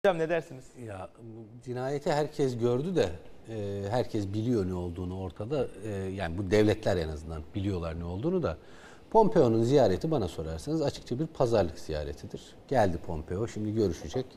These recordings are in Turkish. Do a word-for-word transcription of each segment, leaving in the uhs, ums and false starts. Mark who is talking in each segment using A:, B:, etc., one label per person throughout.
A: Hocam ne dersiniz?
B: Ya cinayeti herkes gördü de e, herkes biliyor ne olduğunu ortada. E, yani bu devletler en azından biliyorlar ne olduğunu da. Pompeo'nun ziyareti bana sorarsanız açıkça bir pazarlık ziyaretidir. Geldi Pompeo, şimdi görüşecek.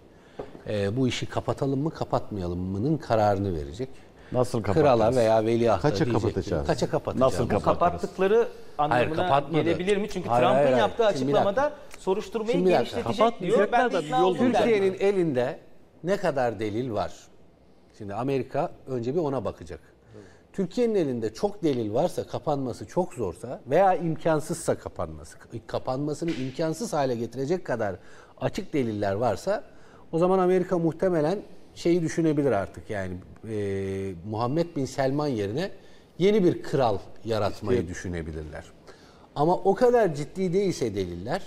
B: E, bu işi kapatalım mı kapatmayalım mı'nın kararını verecek.
C: Nasıl kapatacağız?
B: Krala veya veliahta
C: Kaça
B: diyecek
C: kapatacağız?
B: Ki, kaça kapatacağız?
C: Nasıl
A: Bu
C: kapatırız?
A: kapattıkları anlamına
B: Hayır,
A: gelebilir mi? Çünkü
B: Hayır,
A: Trump'ın
B: hayır, hayır.
A: yaptığı
B: Şimdi bir
A: açıklamada
B: dakika.
A: soruşturmayı
B: Şimdi bir dakika.
A: genişletecek diyor. Ben de ikna oldum.
B: Türkiye'nin elinde ne kadar delil var? Şimdi Amerika önce bir ona bakacak. Türkiye'nin elinde çok delil varsa, kapanması çok zorsa veya imkansızsa kapanması, kapanmasını imkansız hale getirecek kadar açık deliller varsa o zaman Amerika muhtemelen şeyi düşünebilir artık, yani e, Muhammed Bin Selman yerine yeni bir kral yaratmayı işte düşünebilirler. Ama o kadar ciddi değilse deliller,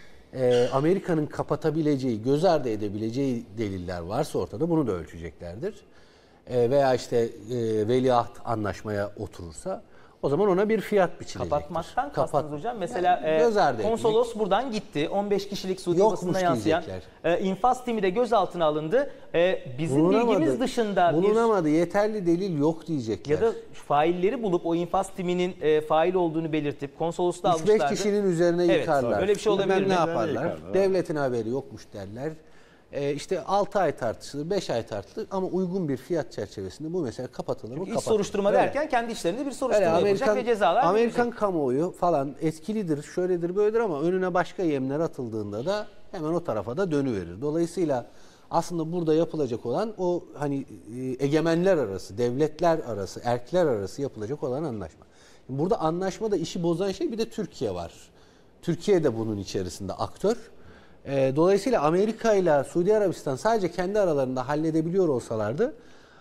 B: e, Amerika'nın kapatabileceği, göz ardı edebileceği deliller varsa ortada bunu da ölçeceklerdir. E, veya işte e, veliaht anlaşmaya oturursa o zaman ona bir fiyat biçilecektir.
A: Kapatmaktan
B: Kapat,
A: kastınız hocam. Mesela
B: yani
A: e, konsolos etmek. buradan gitti. on beş kişilik Suudi basında yansıyan e, infaz timi de gözaltına alındı. E, bizim
B: bulunamadı,
A: bilgimiz dışında
B: bulunamadı.
A: bir,
B: yeterli delil yok diyecekler.
A: Ya da failleri bulup o infaz timinin e, fail olduğunu belirtip konsolosluğa almışlardı.
B: üç beş kişinin üzerine
A: evet,
B: yıkarlar.
A: Öyle bir şey olabilir mi?
B: Ne yaparlar?
C: Yıkarlar.
B: Devletin haberi yokmuş derler. Ee, işte altı ay tartışılır, beş ay tartışılır ama uygun bir fiyat çerçevesinde bu mesele kapatılır mı?
A: İç soruşturma
B: Öyle.
A: derken kendi işlerinde bir soruşturma
B: Öyle,
A: yapacak ve cezalar
B: Amerikan
A: verecek.
B: kamuoyu falan etkilidir, şöyledir, böyledir ama önüne başka yemler atıldığında da hemen o tarafa da dönüverir. Dolayısıyla aslında burada yapılacak olan o hani egemenler arası, devletler arası, erkler arası yapılacak olan anlaşma. Burada anlaşmada işi bozan şey bir de Türkiye var. Türkiye de bunun içerisinde aktör. Dolayısıyla Amerika ile Suudi Arabistan sadece kendi aralarında halledebiliyor olsalardı,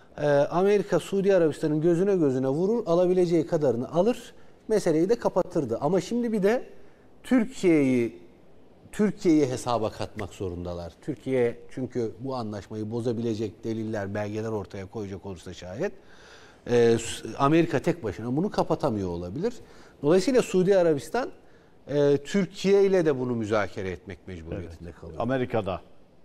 B: Amerika Suudi Arabistan'ın gözüne gözüne vurur, alabileceği kadarını alır, meseleyi de kapatırdı. Ama şimdi bir de Türkiye'yi Türkiye'yi hesaba katmak zorundalar. Türkiye çünkü bu anlaşmayı bozabilecek deliller, belgeler ortaya koyacak olursa şayet Amerika tek başına bunu kapatamıyor olabilir. Dolayısıyla Suudi Arabistan Ee, Türkiye ile de bunu müzakere etmek mecburiyetinde evet. kalıyor.
C: Amerika'da.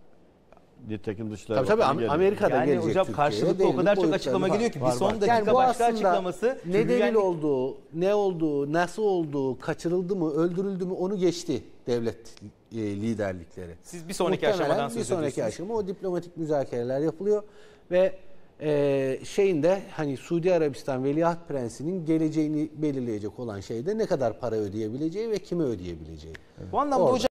C: Nitekim Dışişleri
B: Tabii tabii Amerika'da
A: yani
B: gelecek
A: hocam
B: Türkiye'ye.
A: Karşılıklı o kadar çok açıklama geliyor ki bir son dakika
B: yani
A: başka açıklaması.
B: Ne delil olduğu, ne olduğu, nasıl olduğu, kaçırıldı mı, öldürüldü mü onu geçti devlet e, liderlikleri.
A: Siz bir sonraki
B: Muhtemelen
A: aşamadan söz
B: bir sonraki
A: ediyorsunuz.
B: aşama o diplomatik müzakereler yapılıyor ve Ee, şeyinde hani Suudi Arabistan Veliaht Prensi'nin geleceğini belirleyecek olan şeyde ne kadar para ödeyebileceği ve kime ödeyebileceği.
A: Bu anlamda hocam